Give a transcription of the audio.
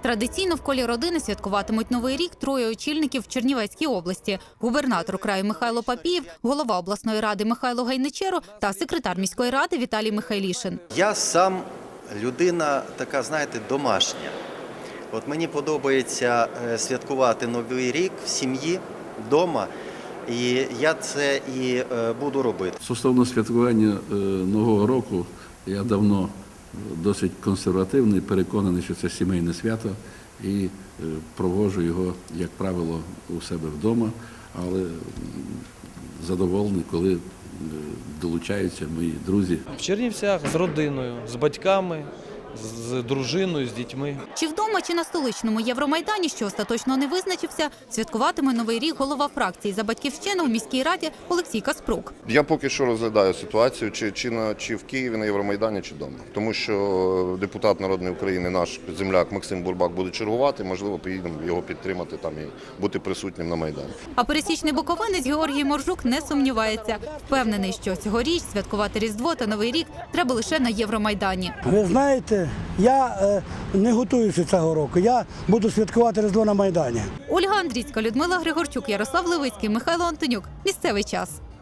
Традиційно в колі родини святкуватимуть Новий рік троє очільників в Чернівецькій області. Губернатор краю Михайло Папієв, голова обласної ради Михайло Гайничеро та секретар міської ради Віталій Михайлішин. Я сам людина така, знаєте, домашня. От мені подобається святкувати Новий рік в сім'ї, вдома, і я це і буду робити. Стосовно святкування Нового року, я давно досить консервативний, переконаний, що це сімейне свято, і проводжу його, як правило, у себе вдома, але задоволений, коли долучаються мої друзі. В Чернівцях з родиною, з батьками, з дружиною, з дітьми. Чи вдома, чи на столичному Євромайдані, що остаточно не визначився, святкуватиме Новий рік голова фракції «За Батьківщину» в міській раді Олексій Каспрук. Я поки що розглядаю ситуацію, чи в Києві на Євромайдані, чи вдома. Тому що депутат Народної України, наш земляк Максим Бурбак буде чергувати, можливо, поїдемо його підтримати там і бути присутнім на Майдані. А пересічний буковинець Георгій Моржук не сумнівається. Впевнений, що цьогоріч святкувати Різдво та Новий рік треба лише на Євромайдані. Ви знаєте, я не готуюся цього року. Я буду святкувати Різдво на Майдані. Ольга Андрійська, Людмила Григорчук, Ярослав Левицький, Михайло Антонюк. Місцевий час.